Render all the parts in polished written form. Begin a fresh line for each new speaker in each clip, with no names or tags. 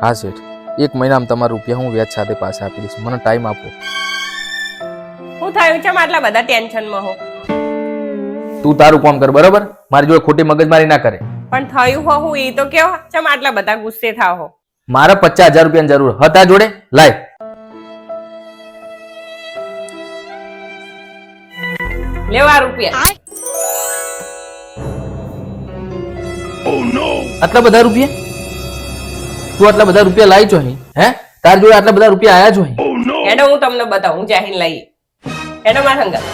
હા શેઠ, 1 મહિનામાં તમારા રૂપિયા હું વ્યાજ સાથે પાછા આપી દઈશ. મને ટાઈમ આપો.
હું થયું છે આટલા બધા ટેન્શનમાં હો?
તું તારું કામ કર, બરોબર? મારી જોડે ખોટી મગજમારી ના કરે.
પણ થયું હો હું એ તો કેવો ચમ આટલા બધા ગુસ્સે થાવ હો?
મારે 50,000 રૂપિયાની જરૂર હતા જોડે, લાય.
લેવા રૂપિયા.
આટલા બધા રૂપિયા? તું આટલા બધા રૂપિયા લાવી છો અહીં? હે, તાર જોડે આટલા બધા રૂપિયા આયા છો અહીં?
એનો હું તમને બતાવું, હું જાહીન લઈએ. એનો મારા સંગત.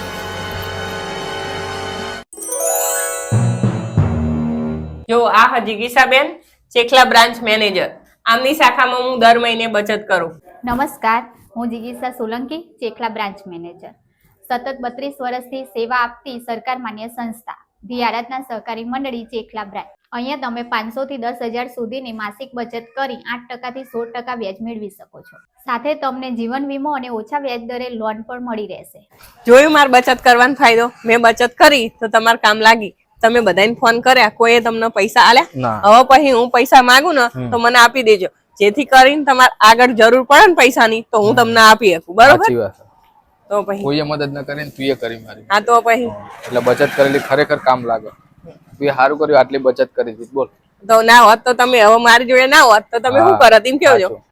જો આ હજીગીસાબેન, ચેખલા બ્રાન્ચ મેનેજર. આમની શાખામાં હું દર મહિને બચત કરું.
નમસ્કાર, હું જિગીસા સોલંકી, ચેખલા બ્રાન્ચ મેનેજર. સતત 32 વર્ષથી સેવા આપતી સરકાર માન્ય સંસ્થા ધી આરાધના સહકારી મંડળી ચેખલા બ્રાન્ચ. અહીંયા તમે 500 થી 10,000 સુધીની માસિક બચત કરી 8% થી 16% વ્યાજ મેળવી શકો છો. સાથે તમને જીવન વીમો અને ઓછા વ્યાજ દરે લોન પણ મળી રહેશે.
જોયું માર બચત કરવાનો ફાયદો? મેં બચત કરી તો તમારે કામ લાગી. તમે બધાને ફોન કર્યા, કોઈએ તમને પૈસા આલ્યા? હવે પછી હું પૈસા માંગુ ને તો મને આપી દેજો, જેથી કરીને તમારે આગળ જરૂર પડે ને પૈસાની તો હું તમને આપી શકું. બરોબર? તો પછી
કોઈએ મદદ ન કરે ને તું એ કરી મારી.
હા તો પછી
એટલે બચત કરેલી ખરેખર કામ લાગે. તું સારું કર્યું, આટલી બચત કરી દીધી. બોલ.
તો ના હોત તો તમે હવે મારી જોડે ના હોત તો તમે શું કરત એમ કેવો છો?